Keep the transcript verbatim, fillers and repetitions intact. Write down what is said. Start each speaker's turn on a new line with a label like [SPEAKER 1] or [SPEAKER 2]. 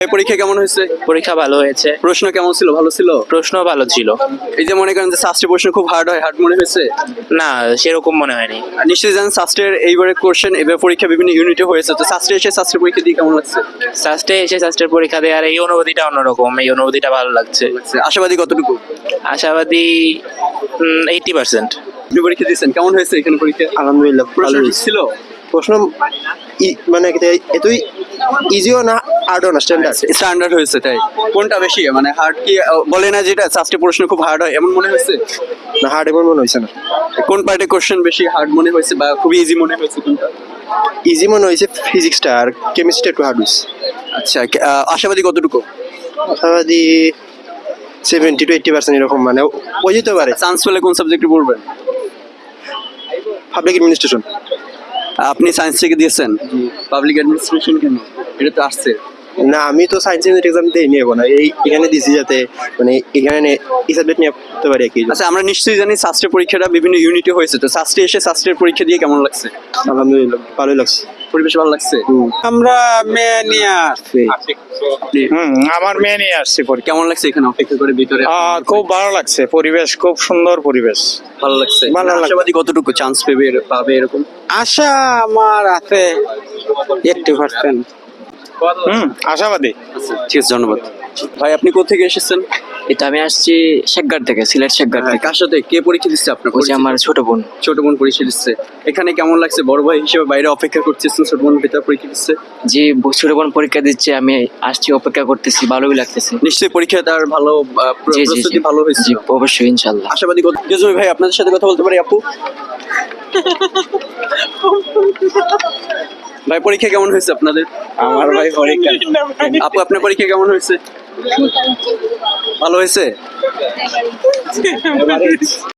[SPEAKER 1] এই পরীক্ষা কেমন হয়েছে?
[SPEAKER 2] পরীক্ষা ভালো হয়েছে।
[SPEAKER 1] প্রশ্ন কেমন ছিল? ভালো ছিল?
[SPEAKER 2] প্রশ্ন ভালো ছিল।
[SPEAKER 1] এই যে মনে করেন যে শাস্ত্রের প্রশ্ন খুব হার্ড হয়, হার্ড মনে হয়েছে?
[SPEAKER 2] না, সেরকম মনে হয়নি।
[SPEAKER 1] আর নিশ্চয়ই জানেন শাস্ত্রের এইবারে কোশ্চেন এবার পরীক্ষা বিভিন্ন ইউনিটে হয়েছে, তো শাস্ত্রে এসে শাস্ত্রের পরীক্ষা দিয়ে কেমন লাগছে?
[SPEAKER 2] শাস্ত্রে এসে শাস্ত্রের পরীক্ষা দেওয়ার এই অনুভূতিটা অন্যরকম, এই অনুভূতিটা ভালো লাগছে।
[SPEAKER 1] আশাবাদী কতটুকু?
[SPEAKER 2] আশাবাদী এইটি পার্সেন্ট।
[SPEAKER 1] আপনি পরীক্ষা দিয়েছেন, কেমন হয়েছে এখানে পরীক্ষা?
[SPEAKER 3] আলহামদুলিল্লাহ
[SPEAKER 1] প্রশ্ন
[SPEAKER 3] ভালো
[SPEAKER 1] ঠিক ছিল?
[SPEAKER 3] প্রশ্ন ই- মানে কি এতই ইজিও না হার্ডও না, স্ট্যান্ডার্ড।
[SPEAKER 1] স্ট্যান্ডার্ড হয়েছে, তাই? কোনটা বেশি মানে হার্ড কি আহ, বলে না যেটা শাস্ত্রের প্রশ্ন খুব হার্ড হয়, এমন মনে হয়েছে?
[SPEAKER 3] না, হার্ড এমন মনে হয়েছে না।
[SPEAKER 1] কোন পার্টে কোশ্চেন বেশি হার্ড মনে হয়েছে বা খুবই ইজি মনে হয়েছে কোনটা?
[SPEAKER 3] ইজি মনে হয়েছে ফিজিক্সটা, আর কেমিস্ট্রি একটু হার্ড হয়েছে।
[SPEAKER 1] আচ্ছা, কে- আহ, আশাবাদী কতটুকু?
[SPEAKER 3] আশাবাদী সেভেন্টি টু এইটটি পার্সেন্ট এরকম, মানে ওই যেতে পারে।
[SPEAKER 1] চান্স পেলে কোন সাবজেক্টে পড়বেন?
[SPEAKER 3] Public administration.
[SPEAKER 1] আপনি সায়েন্স থেকে দিয়েছেন? পাবলিক অ্যাডমিনিস্ট্রেশন কেন? এটা তো আসছে।
[SPEAKER 3] না, আমি তো সায়েন্স এক্সাম দিয়ে নিয়ে না, এই এখানে দিছি যাতে মানে এখানে এই সাবজেক্ট নিয়ে পড়তে পারি আর কি।
[SPEAKER 1] আচ্ছা, আমরা নিশ্চয়ই জানি শাস্ত্রের পরীক্ষাটা বিভিন্ন ইউনিটে হয়েছে, তো শাস্ত্রে এসে শাস্ত্রের পরীক্ষা দিয়ে কেমন লাগছে?
[SPEAKER 3] আলহামদুলিল্লাহ ভালোই লাগছে।
[SPEAKER 1] পরিবেশ ভালো লাগছে?
[SPEAKER 4] আমরা মেয়ে নিয়ে আসছি।
[SPEAKER 1] আপনি
[SPEAKER 4] হুম আমার মেয়ে নিয়ে আসছি পরীক্ষা।
[SPEAKER 1] কেমন লাগছে এখানে অপেক্ষা করে ভিতরে?
[SPEAKER 4] আহ, খুব ভালো লাগছে, পরিবেশ খুব সুন্দর পরিবেশ।
[SPEAKER 1] ভালো লাগছে।
[SPEAKER 4] ভালো লাগছে।
[SPEAKER 1] আশাবাদী কতটুকু চান্স পেবে পাবে এরকম?
[SPEAKER 4] আশা আমার আছে এইটটি পার্সেন্ট। হুম আশাবাদী।
[SPEAKER 1] আচ্ছা, ঠিক আছে, ধন্যবাদ। ভাই, আপনি কোথা থেকে এসেছেন?
[SPEAKER 5] এটা আমি আসছি শেখগাঁর থেকে, সিলেট শেখগাঁর থেকে।
[SPEAKER 1] কার সাথে কে পরীক্ষা দিচ্ছে আপনার?
[SPEAKER 5] ওই যে আমার ছোট বোন।
[SPEAKER 1] ছোট বোন পরীক্ষা দিচ্ছে। এখানে কেমন লাগছে? বড় ভাই হিসেবে বাইরে অপেক্ষা করতেছেন, ছোট বোন ভিতরে পরীক্ষা দিচ্ছে।
[SPEAKER 5] যে ব- ছোট বোন পরীক্ষা দিচ্ছে, আমি আসছি, অপেক্ষা করতেছি, ভালোই লাগতেছে।
[SPEAKER 1] নিশ্চয়ই পরীক্ষা তার ভালো আহ, প্র-
[SPEAKER 5] জি জি জি
[SPEAKER 1] প্রস্তুতি ভালো হয়েছে।
[SPEAKER 5] জি, অবশ্যই ইনশাল্লাহ।
[SPEAKER 1] আশাবাদী কত? জজমি ভাই, আপনাদের সাথে কথা বলতে পারি আপু? ভাই, পরীক্ষা কেমন হয়েছে আপনাদের?
[SPEAKER 4] আমার ভাই পরীক্ষা।
[SPEAKER 1] আপু, আপনার পরীক্ষা কেমন হয়েছে? ভালো হয়েছে?